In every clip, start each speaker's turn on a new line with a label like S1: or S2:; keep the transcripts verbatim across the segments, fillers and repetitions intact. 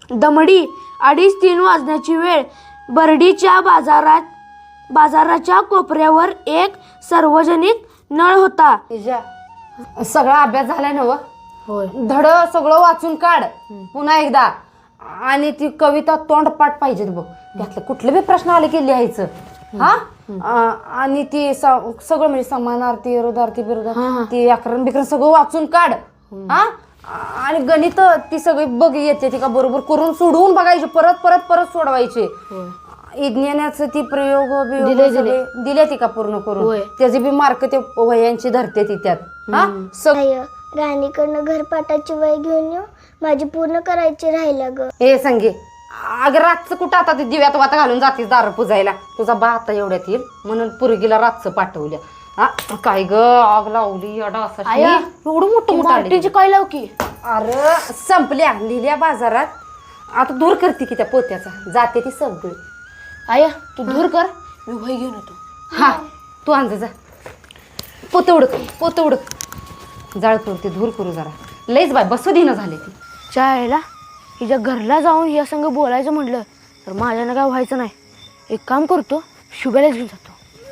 S1: दमडी अडीच तीन वाजण्याची वेळ. बर्डीच्या बाजारात बाजाराच्या कोपऱ्यावर एक सार्वजनिक नळ होता.
S2: सगळा अभ्यास झालाय ना व?
S1: होय.
S2: धड सगळं वाचून काढ पुन्हा एकदा. आणि ती कविता तोंडपाठ पाहिजे बघ. त्यातलं कुठले बी प्रश्न आले की लिहायचं. हा आणि ती सगळं म्हणजे समानार्थी विरोधार्थी विरोधार्थी ती व्याकरण बिकरण सगळं वाचून काढ. हा आणि गणित ती सगळी बघ येते ती का बरोबर करून सोडवून बघायची. परत परत परत सोडवायचे. विज्ञानाचं ती प्रयोग बियोग दिले ती का पूर्ण करून. त्याचे बी मार्क ते वयांची धरते ती त्यात. हा सगळं
S3: राणीकडनं घरपाठाची वही घेऊन येऊ. माझी पूर्ण करायची राहिला ग.
S2: हे संगे अगं रातचं कुठं आता ते दिव्यात वाता घालून जातीस दारू पुजायला. तुझा बा आता एवढ्यात येईल म्हणून पुरगीला रातचं पाठवल्या. हा काय ग आग लावली असा एवढं मोठं मोठं
S1: काय लाव की.
S2: अरे संपल्या लिहिल्या बाजारात. आता दूर करते की त्या पोत्याचा जाते ती सगळी.
S1: आया तू दूर कर मी वही घेऊन येतो.
S2: हा तू आण जा. पोत उडक पोत उडक जाळ करू ते धूर करू जरा. लईच बाय बसू देणं झाले ती.
S1: चायला हिच्या घरला जाऊन या संग बोलायचं म्हटलं तर माझ्यानं काय व्हायचं नाही. एक काम करतो शुभ्यालाच घेऊन जातो.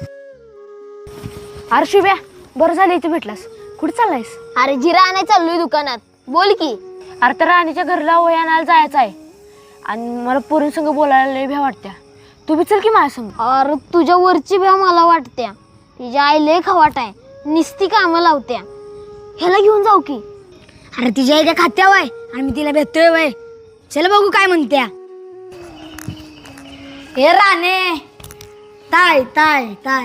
S1: अरे शुभ्या बरं झालं इथे भेटलास. कुठे चाललायस?
S3: अरे जिरा आणाय चाललोय दुकानात. बोल की.
S1: अरे तर राणीच्या घरला वही आणायला जायचं आहे आणि मला पोरींसंग बोलायला लय भ्या वाटत्या. तू बी चल की माझ्या संग.
S3: अरे तुझ्या वरची भ्या मला वाटत्या. तिच्या आई लय खवाट आहे. निस्ती कामं लावत्या. ह्याला घेऊन जाऊ की.
S4: अरे तिच्या आई त्या खात्यावर आहे आणि मी तिला भेटतोय वय. चल बघू काय म्हणत्या. हे राणे ताय ताय ताय.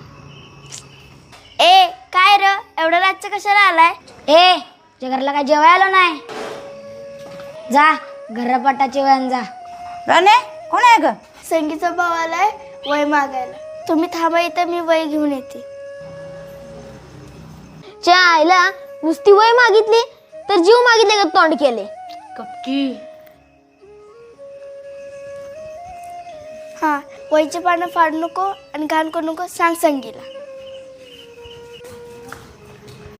S3: ए काय र एवढ्या रातचं कशाला आलाय?
S4: ए तुझ्या घरला काय जेवायला नाही. जा घरपाटाची वयान जा.
S2: राणे कोण आहे ग?
S3: संगीचा भाव आलाय वय मागायला. तुम्ही थांबा इथं मी वय घेऊन येते. च्या आईला नुसती वय मागितली तर जीव मागितले का तोंड केले.
S1: कपकी.
S3: हा वयचे पानं फाडू नको आणि घाण करू नको सांग संगीला.